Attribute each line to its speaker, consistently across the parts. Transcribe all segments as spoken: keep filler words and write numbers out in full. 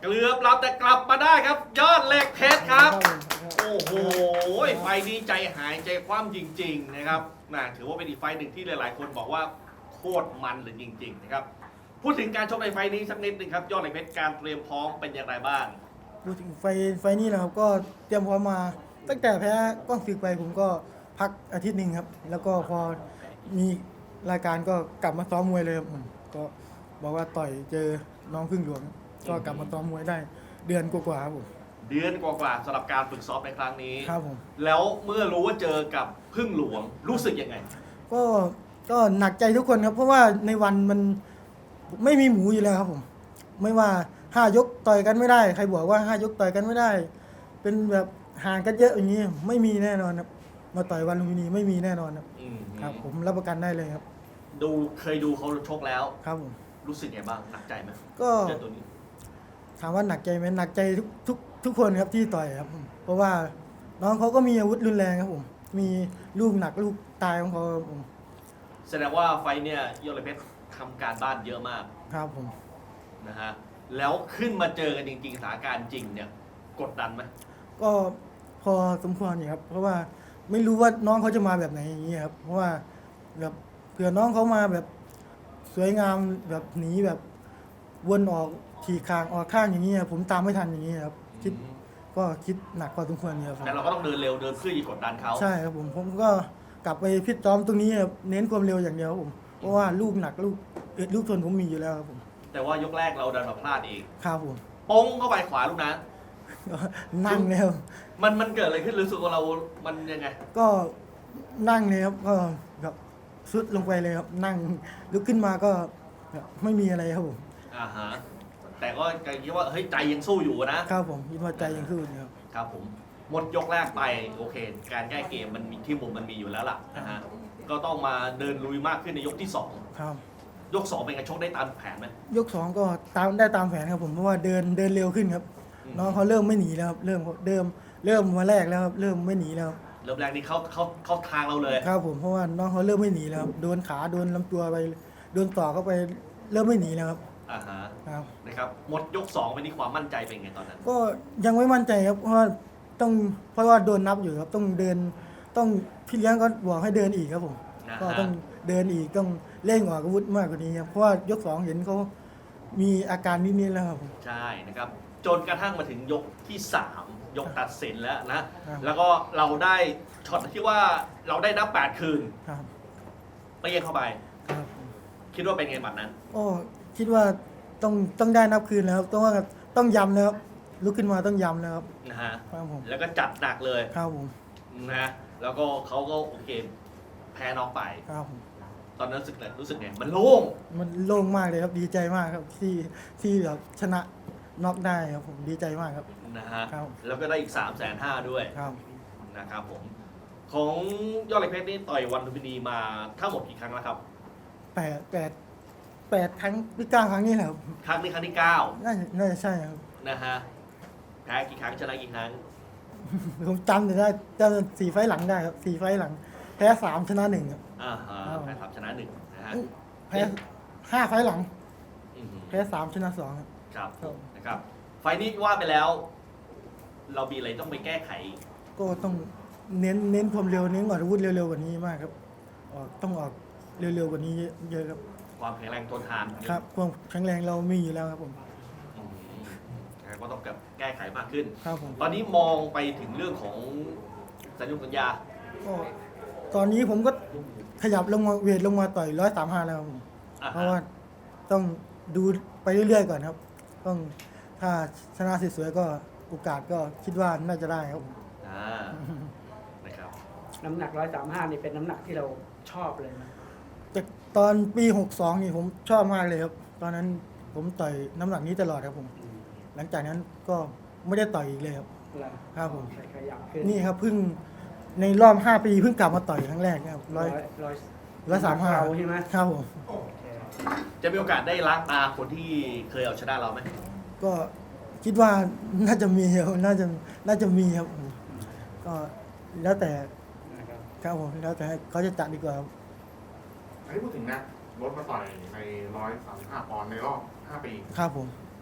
Speaker 1: เกือบรับแต่กลับมาได้ครับยอดเหล็กเพชรครับโอ้โหไฟนี้ใจหายใจคว่ำจริงๆนะครับน่าถือว่าเป็นอีกไฟหนึ่งที่หลายๆคนบอกว่าโคตรมันเลยจริงๆนะครับพูดถึงการชกในไฟนี้สักนิดนึงครับยอดเหล็กเพชรการเตรียมพร้อมเป็นอย่างไรบ้าง
Speaker 2: พูดถึงไฟไฟนี้นะครับก็เตรียมพร้อมมาตั้งแต่แพ้กล้องศึกไปผมก็พักอาทิตย์หนึ่งครับแล้วก็พอมีรายการก็กลับมาซ้อมมวยเลยครับผมก็บอกว่าต่อยเจอน้องพึ่งหลวงก็กลับมาซ้อมมวยได้เดือนกว่าๆครับผม
Speaker 1: เดือนกว่าๆสำหรับการฝึกซ้อมในครั้งนี้
Speaker 2: ครับผม
Speaker 1: แล้วเมื่อรู้ว่าเจอกับพึ่งหลวงรู้สึกยังไง
Speaker 2: ก็ก็หนักใจทุกคนครับเพราะว่าในวันมันไม่มีหมูอยู่แล้วครับผมไม่ว่าห้ายกต่อยกันไม่ได้ใครบอกว่าห้ายกต่อยกันไม่ได้เป็นแบบห่างกันเยอะอย่างนี้ไม่มีแน่นอนครับมาต่อยวันลุมพินีไม่มีแน่นอนครับครับผมรับประกันได้เลยครับ
Speaker 1: ดูเคยดูเขาชกแล้ว
Speaker 2: ครับผม
Speaker 1: รู้สึกไงบ้างหนักใจไหม
Speaker 2: ก็
Speaker 1: เจอตัวนี้
Speaker 2: ถามว่าหนักใจไหมหนักใจทุกทุกทุกคนครับที่ต่อยครับผมเพราะว่าน้องเขาก็มีอาวุธรุนแรงครับผมมีลูกหนักลูกตายของเขาครับผม
Speaker 1: แสดงว่าไฟเนี่ยยอดเหล็กเพชรทำการบ้านเยอะมาก
Speaker 2: ครับผม
Speaker 1: นะฮะแล้วขึ้นมาเจอกันจริงๆสถานการณ์จริงเนี่ยกดดันไหม
Speaker 2: ก็พอสมควรอยู่ครับเพราะว่าไม่รู้ว่าน้องเขาจะมาแบบไหนอย่างนี้ครับเพราะว่าแบบเผื่อน้องเขามาแบบสวยงามแบบหนีแบบวนออกขี่คางออกข้างอย่างนี้ผมตามไม่ทันอย่างนี้ครับคิดก็คิดหนักพอสมควรอยู่ครับ
Speaker 1: แต่เราก็ต้องเดินเร็วเดินเพื่อจะกดดันเขา
Speaker 2: ใช่ครับผมผมก็กลับไปพิจารณาตรงนี้ครับเน้นความเร็วอย่างเดียวครับผมเพราะว่าลูกหนักลูกเอ็ดลูกทนผมมีอยู่แล้วครับผม
Speaker 1: แต่ว่ายกแรกเราดันมาพลาดเอง
Speaker 2: ครับผม
Speaker 1: ป้งเข้าไปขวาลูกนั้น
Speaker 2: นั่งเลยครับ
Speaker 1: มันมันเกิดอะไรขึ้นรู้สึกว่าเรามันยังไง
Speaker 2: ก็นั่งเลยครับก็แบบซุดลงไปเลยครับนั่งลุกขึ้นมาก็ไม่มีอะไรครับผม
Speaker 1: อ่าฮะแต่ก็คิดว่าเฮ้ยใจยังสู้อยู่นะครับ
Speaker 2: ผมคิดว่าใจยังสู้อยู่ครับ
Speaker 1: ครับผมหมดยกแรกไปโอเคการแก้เกมมันมีที่มุมมันมีอยู่แล้วล่ะนะฮะก็ต้องมาเดินลุยมากขึ้นในยกที่สอง
Speaker 2: ครับ
Speaker 1: ยกสองเป็นไงชกได้ตามแผนไหม
Speaker 2: ยกสองก็ตามได้ตามแผนครับผมเพราะว่าเดินเดินเร็วขึ้นครับน้องเขาเริ่มไม่หนีแล้วครับเริ่มเดิมเริ่มมาแรกแล้วครับเริ่มไม่หนีแล้ว
Speaker 1: เริ่มแรกนี่เขาเขาเขาทางเราเลย
Speaker 2: ครับผมเพราะว่าน้องเขาเริ่มไม่หนีแล้วครับโดนขาโดนลำตัวไปโดนต่อเข้าไปเริ่มไม่หนีแล้วครับ
Speaker 1: อ่าฮะ
Speaker 2: ครับ
Speaker 1: นะครับหมดยกสองไปนี่ความมั่นใจเป็นไงตอนนั้น
Speaker 2: ก็ยังไม่มั่นใจครับเพราะว่าต้องเพราะว่าโดนนับอยู่ครับต้องเดินต้องพี่เลี้ยงก็บอกให้เดินอีกครับผมก็ต้องเดินอีกต้องเร่งออกอาวุธมากกว่านี้ครับเพราะว่ายกสองเห็นเขามีอาการนิดๆแล้วครับผม
Speaker 1: ใช่นะครับจนกระทั่งมาถึงยกที่สามยกตัดสินแล้วนะแล้วก็เราได้ช็อตที่ว่าเราได้นับแปดคืน
Speaker 2: ครับ
Speaker 1: ไปเย็นเข้าไป
Speaker 2: ครับ
Speaker 1: คิดว่าเป็นไงบัดนั้น
Speaker 2: โอ้คิดว่าต้องต้องได้นับคืนแล้วต้องว่าต้องย้ำแล้วลุกขึ้นมาต้องย้ำแล้วครับ
Speaker 1: นะฮะ
Speaker 2: ครับผม
Speaker 1: แล้วก็จัดหนักเลย
Speaker 2: ครับผม
Speaker 1: นะแล้วก็เขาก็โอเคแพ้น้องไป
Speaker 2: ครับผม
Speaker 1: ตอนนั้นรู้สึกไงรู้สึกไงมันโล่ง
Speaker 2: มันโล่งมากเลยครับดีใจมากครับที่ที่แบบชนะน็อกได้ครับผมดีใจมากครับ
Speaker 1: นะฮะแล้วก็ได้อีกสามแสนห้าด้วย
Speaker 2: ครับ
Speaker 1: นะครับผมของยอดเหล็กเพชรนี่ต่อยวันลุมพินีมาทั้งหมดกี่ครั้งแล้วครับ
Speaker 2: แปดแปดแปดครั้งหรือเก้าครั้งนี่แหละครับ
Speaker 1: ครั้งนี้ครั้งที่เก้า
Speaker 2: น่าจะน่าจะใช่ครับ
Speaker 1: นะฮะแพ้กี่ครั้งชนะกี่ครั้ง
Speaker 2: ผมจำได้จำสี่ไฟหลังได้ครับสี่ไฟหลังแพ้สามชนะหนึ่งครับ
Speaker 1: อ่าฮะแพ้สามชนะหนึ่งนะฮะ
Speaker 2: แพ้ห้าไฟหลังแพ้สามชนะสอง
Speaker 1: ครับครับนะครับไฟนี้ว่าไปแล้ว เรามีอะไรต้องไปแก้ไข
Speaker 2: ก็ต้องเน้นเน้นความเร็วเน้นออกอาวุธเร็วๆกว่านี้มากครับออกต้องออกเร็วๆกว่านี้เยอะครับ
Speaker 1: ความแข็งแรงทนทาน
Speaker 2: ครับความแข็งแรงเรามีอยู่แล้วครับผม
Speaker 1: ก็ต้องแก้ไขมากขึ้น
Speaker 2: ครับผม
Speaker 1: ตอนนี้มองไปถึงเรื่องของสัญญาสัญญา
Speaker 2: ก็ตอนนี้ผมก็ขยับลงมาเวทลงมาต่อยร้อยสามห้าแล้วผมเพราะว่าต้องดูไปเรื่อยๆก่อนครับต้องถ้าชนะสวยๆก็โอกาสก็คิดว่าน่าจะได้ครับผม
Speaker 1: อ่านะครับ
Speaker 3: น้ำหนักร้อยสามห้านี่เป็นน้ำหนักที่เราชอบเลยนะ
Speaker 2: แต่ตอนปีหกสองนี่ผมชอบมากเลยครับตอนนั้นผมต่อยน้ำหนักนี้ตลอดครับผมหลังจากนั้นก็ไม่ได้ต่อยอีกเลยครับครับผมนี่ครับเพิ่งในรอบห้าปีเพิ่งกลับมาต่อยครั้งแรกนะครับร้อย
Speaker 3: ร้อย
Speaker 2: ร้อยสามห้า
Speaker 3: ใช่ไหม
Speaker 2: ครับผม
Speaker 1: จะมีโอกาสได้ล้างตาคนที่เคยเอาชนะเราไหม
Speaker 2: ก็คิดว่าน่าจะมีครับน่าจะน่าจะมีครับก็แล้วแต่ครับผมแล้วแต่เขาจะจัดดีกว่าครับ
Speaker 4: อันนี้พูดถึงนะลดมาต่อยในร้อยสามสิบห้าปอนด์ในรอบห้าปี
Speaker 2: ครับผม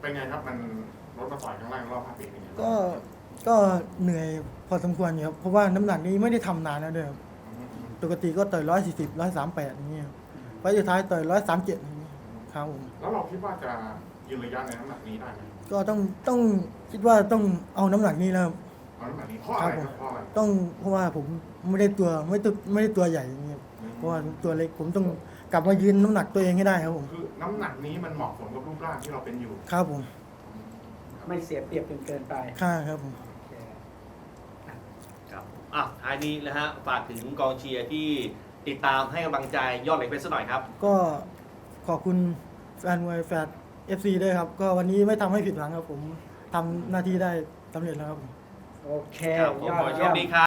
Speaker 4: เป็นไงครับมันลดมาต่อยครั้งแรกในรอบห้าปีนี้
Speaker 2: ก็ก็เหนื่อยพอสมควรอยู่ครับเพราะว่าน้ำหนักนี้ไม่ได้ทำนานแล้วด้วยครับปกติก็ต่อยร้อยสี่สิบร้อยสามแปดอย่างเงี้ยครับไฟล์สุดท้ายต่อยร้อยสามเจ็ดอย่างเงี้ยครับผม
Speaker 4: แล้วเราคิดว่าจะยืนระยะในน้ำหนักนี้ได้ไหม
Speaker 2: ก็ต้องต้องคิดว่าต้องเอาน้ำหนักนี้แล้วครับ
Speaker 4: เอาน้ำหนักนี้เพราะอะไรครับเพราะอะไร
Speaker 2: ต้องเพราะว่าผมไม่ได้ตัวไม่ตัวไม่ได้ตัวใหญ่อย่างเงี้ยครับเพราะว่าตัวเล็กผมต้องกลับมายืนน้ำหนักตัวเองให้ได้ครับผม
Speaker 4: คือน้ำหนักนี้มันเหมาะสมกับรูปร่างที่เราเป็นอยู่
Speaker 2: ครับผม
Speaker 3: ไม่เสียเปรียบจนเกินไป
Speaker 2: ค่าครับผม
Speaker 3: โอเค
Speaker 1: ครับอ่ะท้ายนี้นะฮะฝากถึงกองเชียร์ที่ติดตามให้กำลังใจยอดเหล็กเพชรสักหน่อยครับ
Speaker 2: ก็ขอบคุณแฟนมวยแฟนเอฟซีด้วยครับ ก็วันนี้ไม่ทำให้ผิดหวังครับผมทำหน้าที่ได้สำเร็จแล้วครับผม
Speaker 3: โอเค
Speaker 1: ครับผม
Speaker 3: ยอ
Speaker 1: ข
Speaker 3: ด
Speaker 1: อให้โช
Speaker 3: เยี่ย
Speaker 1: ค
Speaker 3: ม
Speaker 1: ดีครับ